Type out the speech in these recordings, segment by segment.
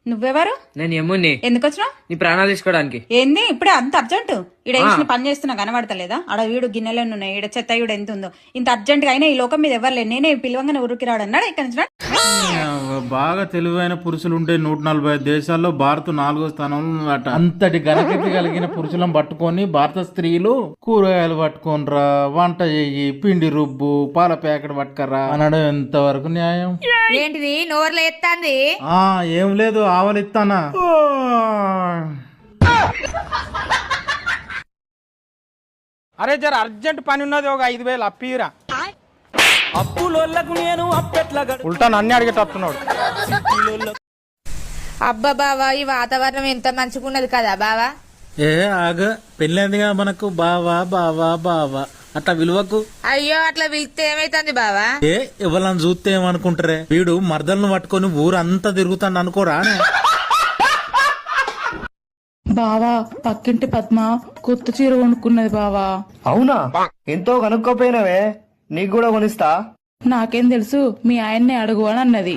నువ్వెవరు? నేను యముని. ఎందుకు వచ్చినావు? నీ ప్రాణాలు తీసుకోవడానికి. ఏంది ఇప్పుడే అంత అర్జెంట్? ఈడ పని చేస్తున్నా కనబడతలేదా? ఆడ వీడు గిన్నెలను ఉన్నాయి, ఈడ చెత్త ఈడు ఎంత ఉందో. ఇంత అర్జెంట్ గా అయినా ఈ లోకం మీద ఎవరు లేదు. నేనే పిలవంగానే ఊరికి రాడు అన్నాడు. ఇక్కడ నుంచి బాగా తెలివైన పురుషులు ఉంటే 145 దేశాల్లో భారత్ 4వ స్థానంలో ఉందట. అంతటి ఘనకీర్తి కలిగిన పురుషులను పట్టుకొని భారత స్త్రీలు కూరగాయలు పట్టుకోనరా, వంట చెయ్యి, పిండి రుబ్బు, పాల ప్యాకెట్ పట్టుకరా అనడం ఎంతవరకు న్యాయం? ఏంటిది నోర్లు ఎత్తాంది? ఏం లేదు, ఆవలిస్తానా. అరే జర అర్జెంట్ పని ఉన్నది, ఒక 5,000 అప్పీరా. ఉల్టా నన్ను అడిగేటట్టున్నాడు. అబ్బా బావా, ఈ వాతావరణం ఎంత మంచిగున్నది కదా బావా. ఆగ పెళ్ళైందిగా మనకు బావా బావా బావా అట్లా విలువకు. అయ్యో అట్లా పిలిస్తే ఏమైతుంది బావా? ఎవరని చూస్తే ఏమనుకుంటారే, వీడు మర్దలను పట్టుకొని ఊరంతా తిరుగుతాను అనుకోరా. బావా, పక్కింటి పద్మ కొత్త చీర కొనుక్కున్నది బావా. అవునా? ఎంతో కనుక్కోపోయినవే, నీకు కూడా కొనిస్తా. నాకేం తెలుసు, మీ ఆయన్నే అడుగు అని అన్నది.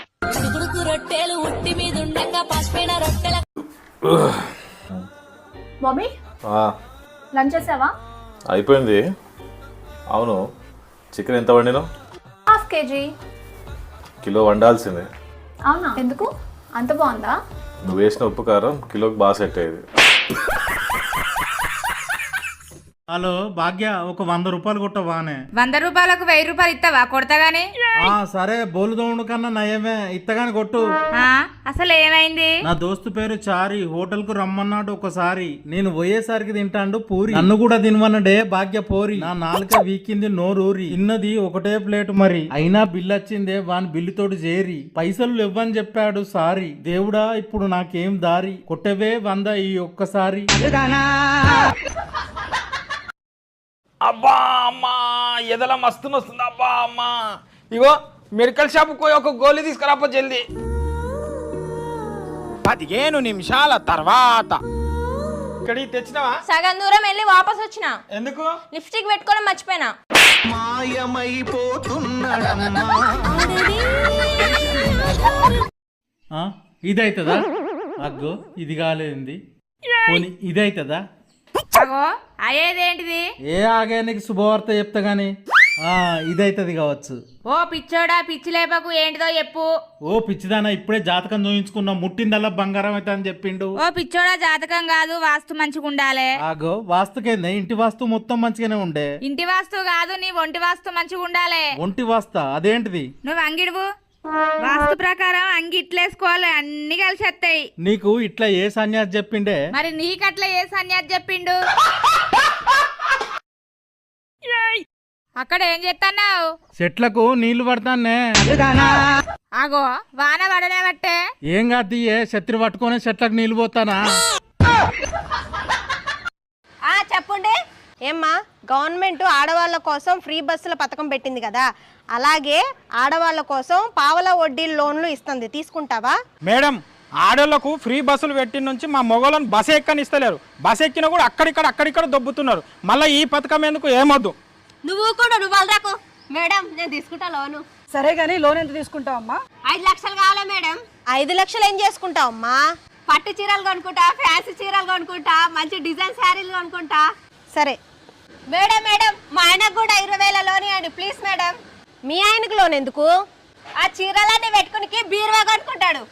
మమ్మీ లంచ్ చేసావా? అయిపోయింది. అవును, చికెన్ ఎంత వండినావు? ½ కేజీ. కిలో వండాల్సిందే. అవునా? ఎందుకు అంత బాగుందా? నువ్వు వేసిన ఉప్పు కారం కిలోకి బాగా సెట్ అయ్యేది. హలో భాగ్య, ఒక 100 రూపాయలు కొట్టవానే. 100 రూపాయలకు 1000 రూపాయలు ఇస్తావా? కొడతాగానే. సరే, బోలుదోముడు కన్నా నయమే, ఇత్తగాని కొట్టు. అసలు ఏమైంది? నా దోస్తు పేరు చారి, హోటల్ కు రమ్మన్నాడు. ఒకసారి నేను పోయేసరికి తింటాండు పూరి, నన్ను కూడా తినవన్నడే. భాగ్య పోరి, నా నాలుక వీకింది, నోరూరి. తిన్నది ఒకటే ప్లేట్ మరి, అయినా బిల్లు వచ్చిందే వాని బిల్లుతోటి చేరి. పైసలు ఇవ్వని చెప్పాడు సారీ. దేవుడా, ఇప్పుడు నాకేం దారి? కొట్టవే 100 ఈ ఒక్కసారి. అబ్బా అమ్మా, ఎదల మస్తు వస్తుంది. అబ్బా అమ్మా, ఇగో మెడికల్ షాప్ పోయి ఒక గోళీ తీసుకురాపో జల్దీ. 15 నిమిషాల తర్వాత ఇక్కడికి తెచ్చినావా? సగం దూరం వెళ్ళి వాపస్ వచ్చిన. ఎందుకు? లిప్స్టిక్ పెట్టుకోవడం మర్చిపోయినా. ఇదైతుందా? అగ్గో, ఇది కాలేదండి. ఇదైతుందా? అగో అయ్యేదేంటిది? ఆగే, నీకు శుభవార్త చెప్తా గాని. ఇదైతది కావచ్చు. ఓ పిచ్చోడా, పిచ్చి లేపకు, ఏంటిదో చెప్పు. ఓ పిచ్చిదానా, ఇప్పుడే జాతకం చూయించుకున్నా, ముట్టిందల్లా బంగారం అయితే అని చెప్పిండు. ఓ పిచ్చోడా, జాతకం కాదు, వాస్తు మంచిగా ఉండాలి. ఆగో, వాస్తుకేందే? ఇంటి వాస్తు మొత్తం మంచిగానే ఉండే. ఇంటి వాస్తు కాదు, నీ ఒంటి వాస్తు మంచిగా ఉండాలి. ఒంటి వాస్తా? అదేంటిది? నువ్వు అంగిడువు. వాస్తు ప్రకారం అంగి ఇట్లేసుకోవాలి, అన్ని కలిసి వస్తాయి. నీకు ఇట్లా ఏ సన్యాసి చెప్పిండే? మరి నీకట్లా ఏ సన్యాసి చెప్పిండు? అక్కడ ఏం చేస్తున్నావు? చెట్లకు నీళ్లు పడతానే. ఆగో, వాన పడనే బట్టే. ఏం కాదు, శత్రు పట్టుకొని చెట్లకు నీళ్లు పోతానా? చెప్పండి. ఏమ్మా, గవర్నమెంట్ ఆడవాళ్ళ కోసం ఫ్రీ బస్సుల పథకం పెట్టింది కదా, అలాగే ఆడవాళ్ళ కోసం పావల వడ్డీ లోన్లు ఇస్తుంది, తీసుకుంటావా? మేడం, ఆడోళ్లకు ఫ్రీ బస్సులు పెట్టిన నుంచి మా మొగోళ్ళని బస్ ఎక్కనిస్తలేరు. బస్ ఎక్కినా కూడా అక్కడిక్కడ దొబ్బుతున్నారు. మళ్ళీ ఈ పథకం ఎందుకు? ఏమొద్దు. నువ్వు కూడా నువ్వు రాకు. మేడం, నేను తీసుకుంటా లోను. సరే గానీ లోన్ ఎంత తీసుకుంటావమ్మా? 5 లక్షలు కావాలా మేడం? 5 లక్షలు ఏం చేసుకుంటావమ్మా? పట్టు చీరలు కొనుక్కుంటా, ఫ్యాన్సీ చీరలు కొనుక్కుంటా, మంచి డిజైన్ శారీలు కొనుక్కుంటా. సరే మేడం, మా ఆయనకు కూడా 20,000 లోన్ ఇవ్వండి ప్లీజ్ మేడం. మీ ఆయనకు లోన్ ఎందుకు? ఆ చీరలన్నీ పెట్టుకుని బీరువా కొనుక్కుంటాడు.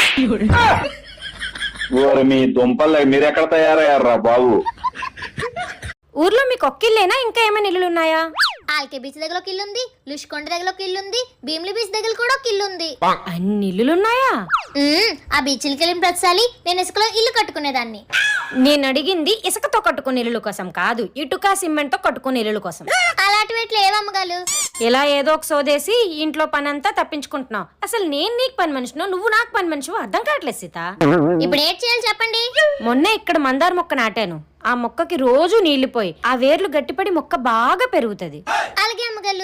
మీ దుంపలు మీరెక్కడ తయారయ్యారా బాబు? ఊర్లో మీకు ఒక్కిల్లేనా, ఇంకా ఏమైనా ఇల్లులు ఉన్నాయా? ఆల్కే బీచ్ దగ్గర ఒక ఇల్లు ఉంది, లుష్కొండ దగ్గర ఒక ఇల్లు ఉంది, భీమిలి బీచ్ దగ్గర కూడా ఒక ఇల్లు ఉంది. అన్ని ఇల్లులున్నాయా? ఆ బీచ్లకి వెళ్ళిన ప్రతిసారి నేను ఇసుకలో ఇల్లు కట్టుకునేదాన్ని. నేను అడిగింది ఇసుకతో కట్టుకునే ఇల్లు కోసం కాదు, ఇటుక సిమెంట్ తో కట్టుకునే ఇల్లు కోసం. అలాంటివి ఎట్లా ఏవమ్మగాలు? ఇలా ఏదో ఒక సోదేసి ఇంట్లో పని అంతా తప్పించుకుంటున్నావు. అసలు నేను నీకు పని మనిషినో, నువ్వు నాకు పని మనిషివో అర్థం కావట్లేదు సీత. ఇప్పుడు ఏం చేయాలి చెప్పండి? మొన్న ఇక్కడ మందార మొక్క నాటాను. ఆ మొక్కకి రోజు నీళ్లు పోయి ఆ వేర్లు గట్టిపడి మొక్క బాగా పెరుగుతది. అలాగే అమ్మగారు.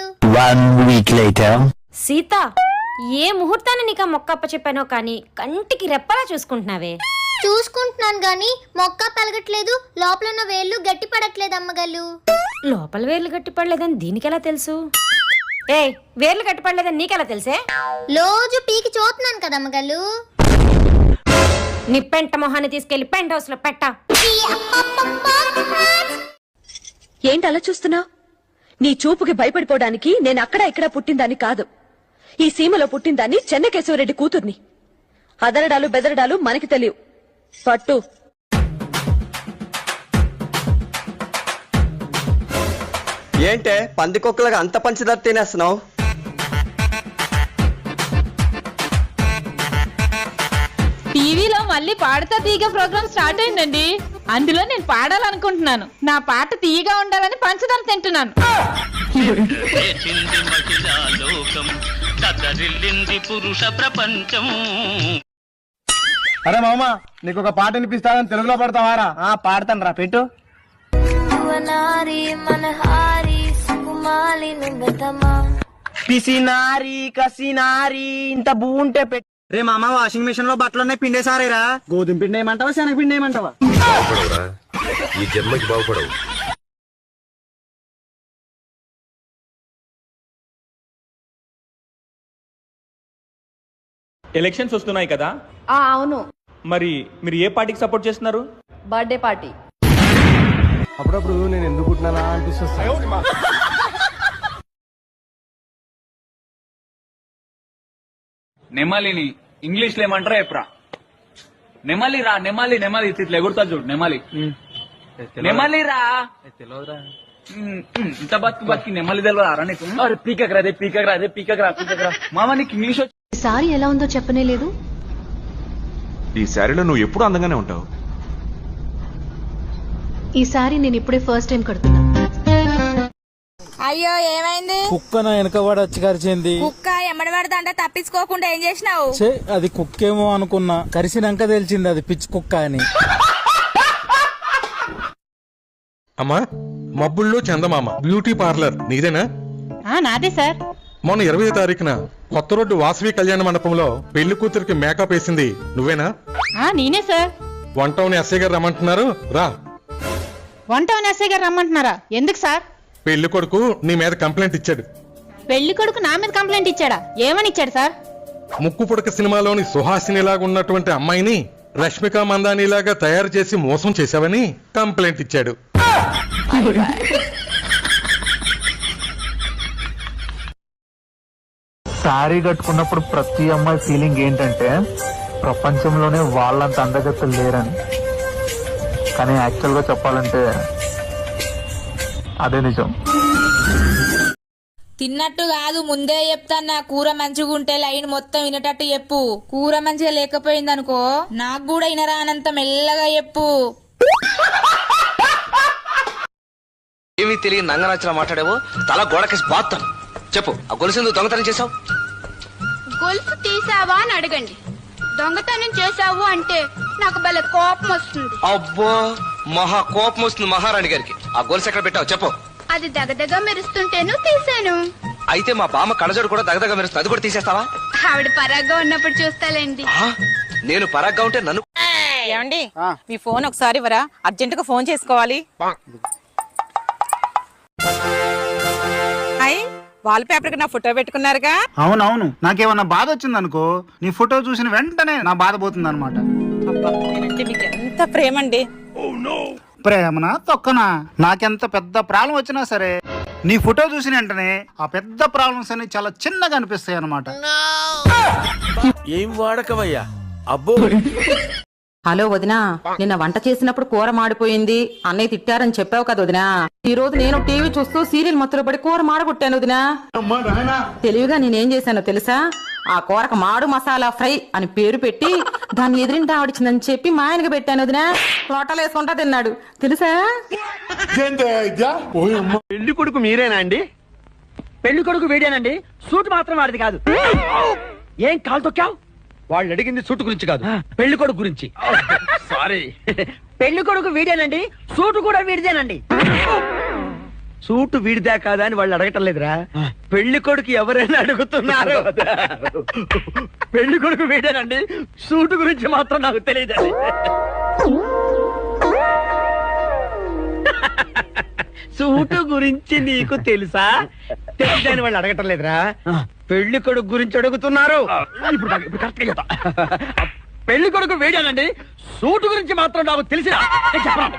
సీత, ఏ ముహూర్తాన్ని నీకు ఆ మొక్క అప్పచెప్పానో కానీ కంటికి రెప్పలా చూసుకుంటున్నావే. చూసుకుంటున్నాను గాని మొక్క పెరగట్లేదు, లోపల ఉన్న వేర్లు గట్టి పడట్లేదు అమ్మగారు. లోపల వేర్లు గట్టి పడలేదని దీనికెలా తెలుసు? వేర్లు గట్టి పడలేదని నీకెలా తెలుసే? రోజు పీకి చూస్తున్నాను కదా అమ్మగారు. నీ పెంట మొహాన్ని తీసుకెళ్లి పెంట్ హౌస్ లో పెట్ట. ఏంటి అలా చూస్తున్నావు? నీ చూపుకి భయపడిపోవడానికి నేను అక్కడ ఇక్కడ పుట్టిందాన్ని కాదు. ఈ సీమలో పుట్టిందాన్ని చెన్నకేశవరెడ్డి కూతుర్ని. అదరడాలు బెదరడాలు మనకి తెలియవు. పట్టు. ఏంటే పందికొక్కలుగా అంత పంచదార తినేస్తున్నావు? టీవీలో మళ్ళీ పాడతా తీగ ప్రోగ్రామ్ స్టార్ట్ అయిందండి. అందులో నేను పాడాలనుకుంటున్నాను. నా పాట తీయగా ఉండాలని పంచదార తింటున్నాను. పురుష ప్రపంచం. అరే మామ, నీకు ఒక పాట వినిపిస్తానని తెలుగులో పడతావారా? పాడతాను రా, పెట్టు. పిసినారి కసినారి ఇంత బూంటే పెట్టు. రే మామ, వాషింగ్ మిషన్ లో బట్టలున్నాయి, పిండేసారేరా. గోధుమ పిండి ఏమంటావా, శనగ పిండి ఏమంటావా? ఈ జన్మకి బాగుపడవు. ఎలక్షన్స్ వస్తున్నాయి కదా, అవును. మరి మీరు ఏ పార్టీకి సపోర్ట్ చేస్తున్నారు? Birthday party. అప్పుడప్పుడు నేను ఎందుకు పుట్టినా అనిపిస్తుంది. నెమలిని ఇంగ్లీష్ లో ఏమంటారా ఎప్రా? నెమలి రా, నెమలి నెమలి ఇట్లా ఎగురుతా చూడు. నెమలి నెమలి రా. ఇంత బతికి నెమలి తెలియరా నీకు? పీకక్ రాదే పీకక్ రాదే పీకక్ రా పీకక్ రా. మామ నీకు ఇంగ్లీష్ సారీ ఎలా ఉందో చెప్పనే లేదు. ఈ శారీలో నువ్వు ఎప్పుడు అందంగానే ఉంటావు. ఈ సారీ నేను ఇప్పుడే ఫస్ట్ టైం కడుతున్నా. అయ్యో ఏమైంది? కుక్క నా వెనకబడి వచ్చి కరిచింది. కుక్క ఎమ్మడి పడతా తప్పించుకోకుండా ఏం చేసినావు? అది కుక్కేమో అనుకున్నా, కరిసినాక తెలిసింది అది పిచ్చి కుక్క అని. అమ్మా, మబ్బుల్లో చందమామ బ్యూటీ పార్లర్ నీదేనా? నాదే సార్. మొన్న 20వ తారీఖున కొత్త రోడ్డు వాసవి కళ్యాణ మండపంలో పెళ్లి కూతురికి మేకప్ వేసింది నువ్వేనా? నేనే సార్. వన్ టౌన్ ఎస్ఐ గారు రమ్మంటున్నారు, రా. వన్ టౌన్ ఎస్ఐ గారు రమ్మంటున్నారా? ఎందుకు సార్? పెళ్లి కొడుకు నీ మీద కంప్లైంట్ ఇచ్చాడు. పెళ్లి కొడుకు నా మీద కంప్లైంట్ ఇచ్చాడా? ఏమని ఇచ్చాడు సార్? ముక్కు పుడక సినిమాలోని సుహాసినిలాగా ఉన్నటువంటి అమ్మాయిని రష్మిక మందానిలాగా తయారు చేసి మోసం చేశావని కంప్లైంట్ ఇచ్చాడు. శారీ కట్టుకున్నప్పుడు ప్రతి అమ్మాయి ఫీలింగ్ ఏంటంటే ప్రపంచంలోనే వాళ్ళంత అందగత్తలు లేరని. కానీ యాక్చువల్ గా చెప్పాలంటే అదే నిజం. తిన్నట్టు కాదు, ముందే చెప్తాన్నా. కూర మంచిగా ఉంటే లైన్ మొత్తం వినేటట్టు చెప్పు. కూర మంచిగా లేకపోయింది అనుకో, నాకు కూడా వినరా అనంత మెల్లగా చెప్పు. ఏమీ తెలియని నంగనచ్చలా మాట్లాడేవో తల గోడకేసి బాత్తాను. చెప్పు, ఆ గొలుసు దొంగతనం చేసావు? గొలుసు తీసావా అని అడగండి. దొంగతనం చేసావు అంటే నాకు భలే కోపం వస్తుంది. అబ్బో, మహా కోపం వస్తుంది మహారాణి గారికి. ఆ గొలుసు ఎక్కడ పెట్టావు చెప్పు. అది దగదగ మెరుస్తుంటేను తీసాను. అయితే మా బామ్మ కళ్ళజోడు కూడా దగదగ మెరుస్తుంది, అది కూడా తీసేస్తావా? ఆవిడ పరాగ్గా ఉన్నప్పుడు చూస్తాలేండి. నేను పరాగ్గా ఉంటే నన్ను. ఏమండి, మీ ఫోన్ ఒకసారి ఇవ్వరా, అర్జెంట్ గా ఫోన్ చేసుకోవాలి. వాల్ పేపర్ కి నా ఫోటో పెట్టుకున్నారుగా? అవునవును, నాకేమన్నా బాధ వచ్చింది అనుకో, నీ ఫోటో చూసిన వెంటనే నా బాధ పోతుంది అనమాట. నేనంటే మీకు ఎంత ప్రేమ అండి. ప్రేమనా తొక్కనా, నాకెంత పెద్ద ప్రాబ్లం వచ్చినా సరే నీ ఫోటో చూసిన వెంటనే ఆ పెద్ద ప్రాబ్లమ్స్ అన్ని చాలా చిన్నగా అనిపిస్తాయి అనమాట. ఏం వాడకవయ్యా? అబ్బో. హలో వదినా, నిన్న వంట చేసినప్పుడు కూర మాడిపోయింది, అన్నయ్య తిట్టారని చెప్పావు కదా వదినా. ఈ రోజు నేను టీవీ చూస్తూ సీరియల్ మొత్తంలో పడి కూర మాడగొట్టాను వదినా. తెలివిగా నేనేం చేశానో తెలుసా? ఆ కూరకు మాడు మసాలా ఫ్రై అని పేరు పెట్టి దాన్ని ఎదిరింటి ఆవిడిచిందని చెప్పి మా ఆయనకి పెట్టాను వదినా. లోటాలు వేసుకుంటా తిన్నాడు తెలుసా? పెళ్లి కొడుకు మీరేనా అండి? పెళ్లి కొడుకు వీడేనండి, సూట్ మాత్రం వాడిది కాదు. ఏం కాలు తొక్కావు? వాళ్ళు అడిగింది సూట్ గురించి కాదు, పెళ్లి కొడుకు గురించి. సారీ. పెళ్లి కొడుకు వీడేనండి, సూటు కూడా వీడిదేనండి. సూటు వీడిదా కాదా అని వాళ్ళు అడగటం లేదురా, పెళ్లి కొడుకు ఎవరైనా అడుగుతున్నారు. పెళ్లి కొడుకు వీడేనండి, సూటు గురించి మాత్రం నాకు తెలియదండి. సూటు గురించి నీకు తెలుసా? తెలియదని వాళ్ళు అడగటం లేదురా, పెళ్లి కొడుకు గురించి అడుగుతున్నారు. ఇప్పుడు కరెక్ట్ గా చెప్తా. పెళ్లి కొడుకు వేడానండి. సూట్ గురించి మాత్రం నాకు తెలిసిన చెప్పండి.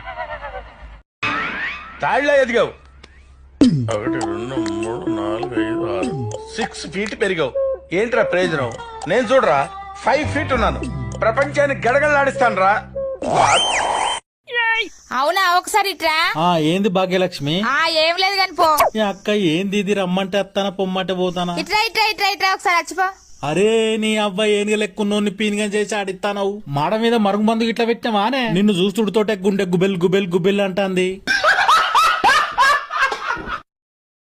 తాళ్ళ ఎదిగావు 1 2 3 4 5 6 6 ఫీట్ పెరిగావు. ఏంట్రా ప్రయోజనం? నేను చూడరా 5 ఫీట్ ఉన్నాను. ప్రపంచాన్ని గడగడలాడిస్తాను రా. అవునా ఒకసారి ఇట్రా. ఏంది భాగ్యలక్ష్మి? ఏం లేదు కాని పో. ఈ అక్క ఏంది ఇది, రమ్మంటే అత్తానా పొమ్మంటే పోతానా? ఇట్రా ఇట్రా ఇట్రా ఇట్రా ఒకసారి వచ్చిపో. అరే నీ అబ్బాయి ఏనుగ లెక్కున్నోని పీనిగా చేసి ఆడిస్తానవు. మాడ మీద మరుగుమందు ఇట్లా పెట్టామానే? నిన్ను చూస్తుడితోటే గుండె గుబెల్ గుబెల్ గుబెల్ అంటాంది.